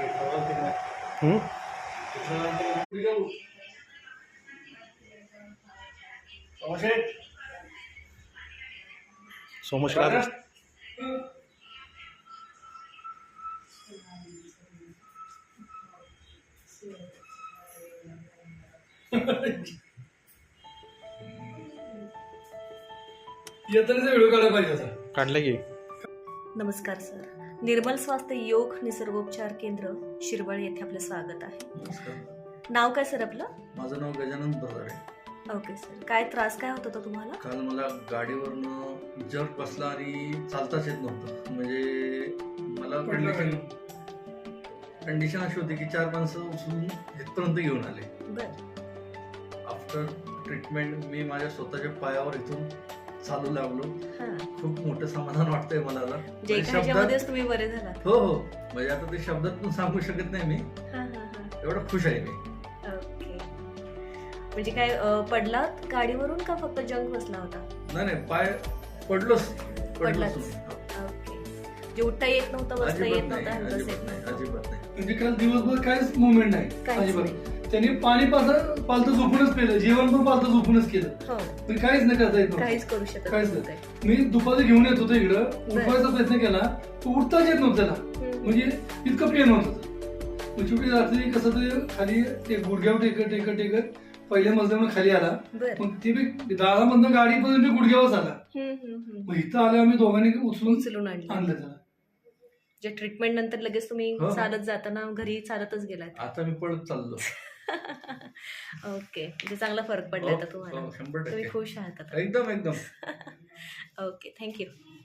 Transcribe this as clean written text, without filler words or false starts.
हम्म? सोमशेला येताना व्हिडिओ काढायला पाहिजे होता. काढलं की. नमस्कार सर. निर्मल स्वास्थ्य योग निसर्गोपचार केंद्र शिरवळ येथे आपले स्वागत आहे. नमस्कार. नाव काय सर आपलं? माझं नाव गजानन बर्दारे. Okay sir. काय त्रास काय होत होता तुम्हाला? काल मला गाडीवरनं जर्क बसला आणि चालताच येत नव्हतं. म्हणजे मला कंडिशन अशी होती की 4 माणसं उचलून इथपर्यंत घेऊन आले. बर. आफ्टर ट्रीटमेंट मी माझ्या स्वतःच्या पायावर इथून चालू लागलो. खूप मोठं समाधान वाटतंय मला आता. जे ह्याच्यामध्येच तुम्ही बरे झालात. हो हो, म्हणजे आता ते शब्दात पण सांगू शकत नाही मी. एवढं खुश आहे मी. ओके. म्हणजे काय पडलात गाडीवरून का फक्त जंक बसला होता? नाही पाय पडलोच. पडलाच. ओके. जे उठता येत नव्हतं, बसता येत नव्हतं, हलताच येत नव्हतं. अजिबात नाही. म्हणजे काल दिवसभर काहीच मुवमेंट नाही काहीच अजिबात. त्यांनी पाणी पालतं झोपूनच पेलं, जेवण पण पालतं झोपूनच केलं. हो. पण काहीच नाही करता येत नव्हतं. काहीच करू शकत काहीच नव्हते. मी दुपारी घेऊन येत होतो इकडं, उठवायचा प्रयत्न केला तो उठताच येत नव्हतं त्याला. म्हणजे इतकं पेन होत होतं. मग शेवटी रात्री कसं तरी खाली ते गुडघ्यावर टेकत पहिल्या मजल्यावर खाली आला. बर. मग ते दारामधनं गाडीपर्यंत गुडघ्यावरच आला. मग इथं आले आम्ही दोघांनी उचलून आणलं. आणलं त्याला. जे ट्रीटमेंट नंतर लगेच तुम्ही हो. चालत जाताना घरी चालतच गेलात. आता मी पळत चाललो. ओके. म्हणजे चांगला फरक पडला आता तुम्हाला. 100%. तुम्ही खुश आहात आता. एकदम ओके. थँक्यू.